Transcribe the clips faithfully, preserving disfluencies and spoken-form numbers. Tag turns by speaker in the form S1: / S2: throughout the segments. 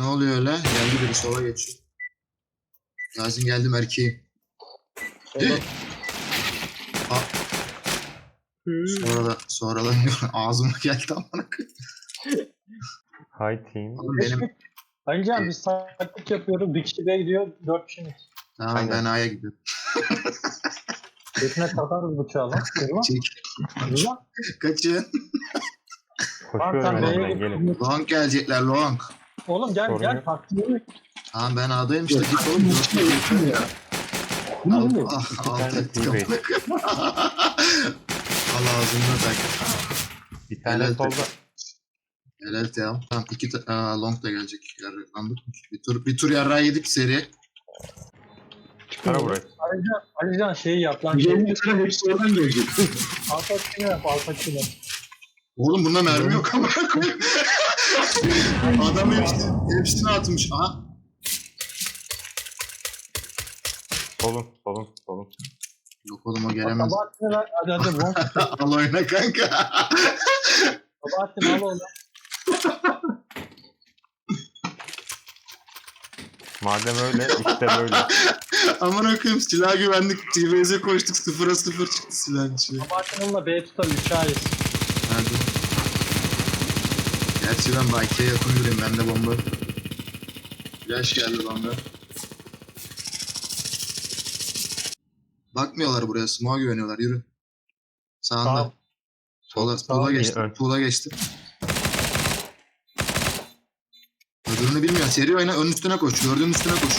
S1: oluyor öyle? Geldi biri sola geçiyor. Yasin geldim erkeğim. Ha, sonra da sonra da ağzıma geldi amına koyayım.
S2: Hi team.
S1: Oğlum benim
S3: Önce abi biz taktik yapıyoruz. Bir kişi B'ye gidiyor. Dört kişi.
S1: tamam
S2: Aynen.
S1: ben A'ya gidiyorum.
S3: Götüne takarız bıçağı lan. Kırma.
S1: Çek.
S3: Kırma.
S1: Kaçın.
S2: Koşuyorum
S3: sen
S2: önden
S3: B'ye
S2: gelin.
S3: git.
S1: Long gelecekler long.
S3: Oğlum gel
S2: Sorun
S3: gel.
S2: yok.
S3: Taktiği.
S1: Tamam ben A'dayım işte git oğlum.
S3: Bu
S1: Al,
S3: ne?
S1: al,
S2: İki
S1: al,
S2: tane
S1: tek
S2: teammate.
S1: kapı. Al ağzına tak.
S2: Bir tane
S1: Helal
S2: solda.
S1: Helal Team. Tamam iki ta- Aa, long da gelecek. Yarraklandık. Bir tur bir tur yarrağı yedik seri.
S2: Para burası.
S3: Alican, Alican şeyi yap lan.
S4: Yemin ederim hepsi oradan gelecek.
S3: Alfa çini yap. Alfa çini.
S1: Oğlum bunda mermi yok ama. Adam hepsini, hepsini atmış. Aha.
S2: Solun, solun, solun.
S1: Yok oğlum o gelemez.
S3: Sabahattin'i ver. Hadi hadi. Bon.
S1: Al oyna kanka.
S3: Sabahattin al onu.
S2: Madem öyle, işte böyle.
S1: Aman okuyayım silah güvenlik. T V Z'e koştuk sıfıra sıfır çıktı silahın içi.
S3: Sabahattin onunla B'ye tutar. Üç ayız.
S1: Hadi. Gerçi ben Bayke'ye yakın durayım. Bende bomba. Flash geldi bana. Bakmıyorlar buraya. Smoke'a güveniyorlar. Yürü. Sağında.
S3: Tamam.
S1: Sola,
S3: Sağ
S1: sola
S3: ol,
S1: geçti.
S2: ön.
S1: Sola geçti. Öbürünü bilmiyor. Seri oyna. Ön üstüne koş. Gördüğün üstüne koş.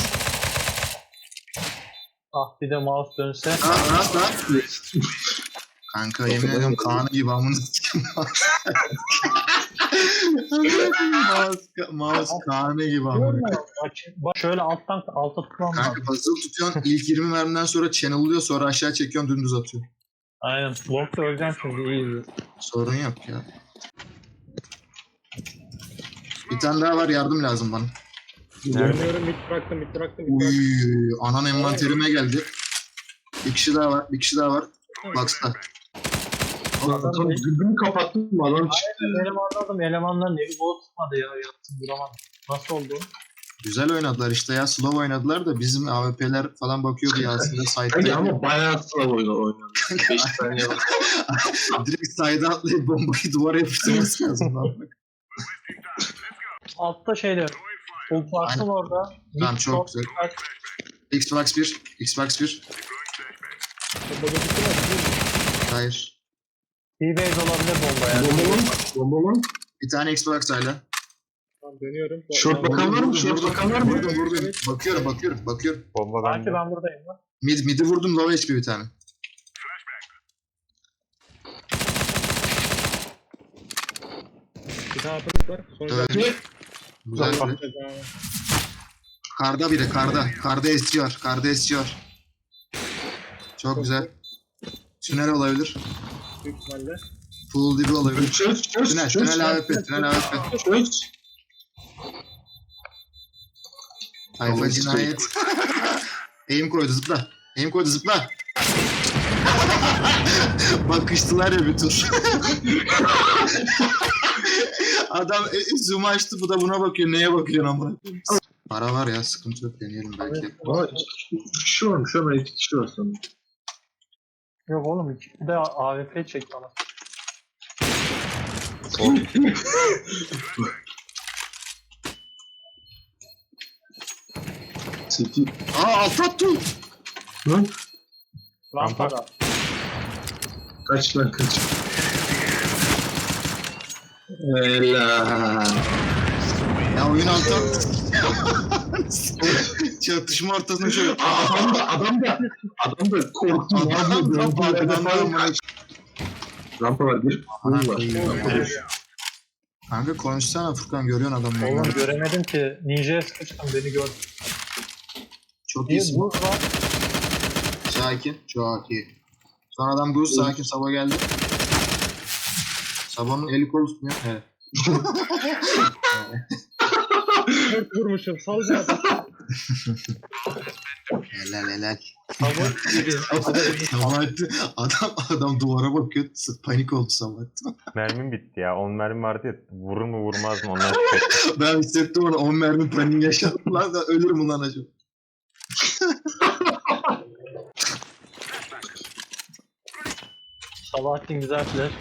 S3: Ah bir de mouse dönse.
S1: Rahat rahat rahat. Kanka yemin ediyorum Kaan'ı gibi amını sikim. Mouse, mouse Kaan'ı gibi
S3: Görüyor
S1: amını.
S3: musun? Bak, bak şöyle alttan alta tutmam lazım.
S1: Kanka puzzle tutuyorsun. İlk yirmi mermiden sonra channel'lıyor. Sonra aşağı çekiyorsun. Dümdüz atıyor.
S3: Aynen. Long'da öleceğim şimdi. İyi.
S1: Sorun yok ya. Bir tane daha var. Yardım lazım bana.
S3: Görmüyorum. Bit bıraktım. Bit bıraktım. Bit
S1: Uy,
S3: bıraktım.
S1: anan envanterime geldi. Bir kişi daha var. Bir kişi daha var. Box'ta.
S4: Adam dürbünü kapattım mı adam çıktı.
S3: Elemanladım. Elemanların evi bol tutmadı ya. Yattım duramadım. Nasıl oldu?
S1: Güzel oynadılar işte ya. Slow oynadılar da bizim A W P'ler falan bakıyordu ya aslında
S4: Hayır
S1: side'da.
S4: ama bayağı sıra oyunu oynadı. beş saniye var.
S1: Direkt side'a atlayıp bombayı duvara yapıştırması lazım.
S3: Altta şeyde. Ulfarsın orada.
S1: Tamam,
S3: Mid
S1: çok
S3: short,
S1: güzel.
S3: dikkat.
S1: Xbox bir. Xbox bir. Hayır.
S3: D-Base olabilir bomba ya.
S4: Bomba lan. Bomba lan.
S1: Bir tane Xbox hala.
S3: Tamam dönüyorum.
S4: Short bakan var mı? Short bakan var mı?
S1: Vurdum vurdum. Bakıyorum bakıyorum bakıyorum.
S2: Bomba
S3: Belki
S2: bende.
S3: ben buradayım lan.
S1: Mid, mid'i vurdum low H P bir tane.
S3: Bir tane atılık var. Sonra
S1: Öldü. Güzel
S4: Tamam.
S1: biri. Karda biri karda. Karda esiyor. Karda esiyor. Çok güzel. Tünel olabilir.
S3: büyük ihtimalle.
S1: Pool dibi olabilir.
S4: Çöz çöz
S1: Tünel,
S4: çöz.
S1: tünel A W P, tünel A W P.
S4: Çöz.
S1: Tayfa
S4: Tamam,
S1: cinayet. Aim koydu zıpla. Aim koydu zıpla. Bakıştılar ya bir tur. Adam e, zoom açtı bu da buna bakıyor. Neye bakıyor amına? Para var ya sıkıntı yok deneyelim belki.
S4: Aa, iki kişi varmış ama iki kişi var sanırım.
S3: Yok oğlum iki bir de A W P çek bana.
S4: City.
S1: Aa alt attı.
S4: Lan
S3: Lampada.
S4: kaç lan kaç. Helal.
S1: Ya oyun alt attı. Çatışma ortasında şöyle.
S4: Adam da adam da adam da korktu.
S1: Adam da farkından da amına.
S4: Rampa var bir.
S1: Ana
S4: Bul var.
S1: koyayım. Kanka konuşsana Furkan görüyorsun adamı.
S3: Oğlum göremedim ki. Ninja'ya sıkıştım beni gördü.
S1: Çok
S3: Bir
S1: iyisin.
S3: buz var.
S1: Sakin. Çok iyi. Son adam buz sakin. Sabo geldi. Sabo'nun eli kolu tutmuyor. Evet.
S5: Dört vurmuşum. Sal bir adam.
S1: Helal helal.
S3: Sabah gibi.
S1: Sabahattin adam adam duvara bakıyor. Panik oldu Sabahattin.
S2: Mermim bitti ya. on mermi vardı ya. Vurur mu vurmaz mı ondan şüphe ettim.
S1: Ben hissettim onu on mermi paniği yaşadım lan da ölürüm ulan acaba.
S3: Sabahattin güzel flash.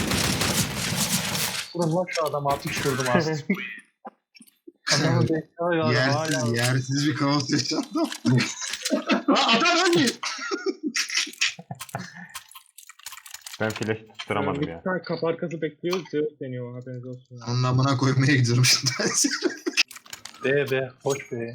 S3: Vurun lan şu adamı altmış vurdum aslında. Adamı bekliyor ya.
S1: Yersiz
S3: Hala.
S1: yersiz bir kaos yaşandı. Lan adam ölmüyor.
S2: Ben flash tutturamadım
S5: Bir
S2: ya.
S5: tane kapı arkası bekliyor. Zeus deniyor. Haberiniz olsun.
S1: Onun amına koymaya gidiyorum şimdi.
S3: B B. Hoş be.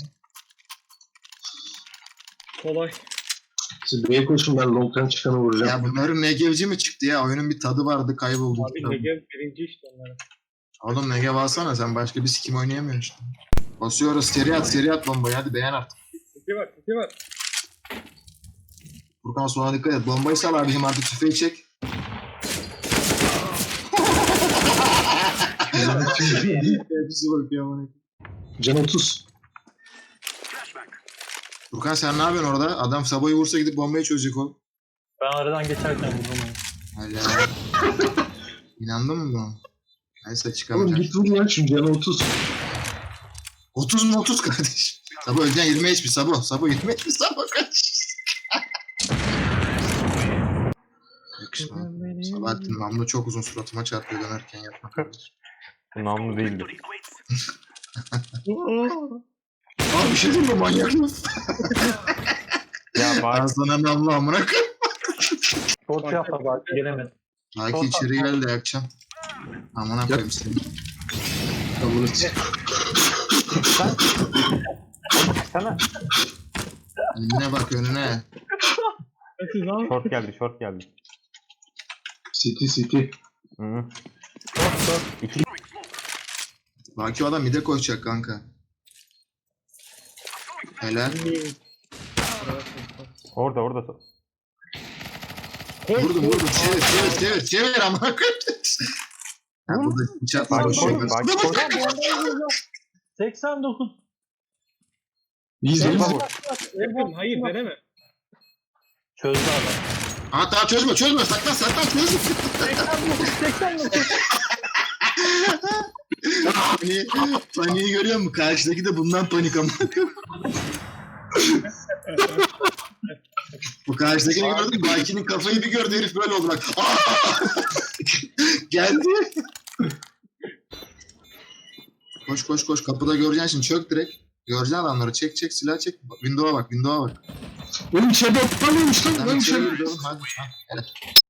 S5: Kolay.
S4: Siz B'ye koşun ben long'tan çıkanı vuracağım.
S1: Ya bunların Negevci mi çıktı ya? Oyunun bir tadı vardı kayboldu.
S5: Abi Negev birinci işte onların.
S1: Oğlum Negev alsana sen başka bir sikim oynayamıyorsun işte. Basıyoruz seri at seri at bombayı hadi beğen artık.
S5: Tiki var tiki var.
S1: Furkan sonra dikkat et. Bombayı sal abicim artık tüfeği çek. Hepsi bakıyor amına.
S4: Can otuz.
S1: Furkan sen ne yapıyorsun orada? Adam Sabo'yu vursa gidip bombayı çözecek o.
S3: Ben aradan geçerken vurdum onu.
S1: Hala. İnandın mı buna? Neyse
S4: Oğlum
S1: çıkamayacak.
S4: git vur lan şu can otuz.
S1: otuz mu otuz kardeş? Sabo öleceksin yirmi H P Sabo. Sabo yirmi H P Sabo kaç. Yakışma. Sabahattin namlu çok uzun suratıma çarpıyor dönerken yapma kardeş.
S2: Bu namlu değildi.
S1: Abi bir şey diyeyim mi manyak mısın?
S2: Ya
S1: Ben
S2: bak
S1: sana namlu amına koyayım.
S3: Short yapma bak gelemedi.
S1: Belki içeri gel de yakacağım. Amına koyayım seni.
S4: Tamam çık.
S2: sana.
S1: Önüne bak önüne.
S5: Siz lan.
S2: Short geldi short geldi.
S4: City City.
S2: Hı -hı.
S3: Short short.
S2: İki
S1: Belki o adam mide koyacak kanka. Helal.
S2: orada orada.
S1: Vurdum vurdum. Çevir çevir çevir çevir amına koyayım. Ha burada bıçak var.
S2: Bak
S1: boş ver.
S2: koy bak koy.
S3: seksen dokuz.
S4: İyiyiz iyiyiz.
S5: Yakın. Hayır deneme.
S3: Çözdü adam.
S1: Aa tamam çözme çözme saklan saklan çözme.
S3: seksen dokuz. seksen dokuz.
S1: Paniği, paniği görüyor musun? Karşıdaki de bundan panik ama. Bu karşıdakini gördün mü? Baki'nin kafayı bir gördü herif böyle oldu bak. Aa! Geldi. Koş koş koş kapıda göreceksin şimdi çök direkt. Göreceksin adamları çek çek silah çek. Window'a bak window'a bak.
S4: Oğlum içeride aptal olmuş lan.
S1: Sen
S4: Lan
S1: içeri
S4: içeride.
S1: gir oğlum hadi. Ha, helal.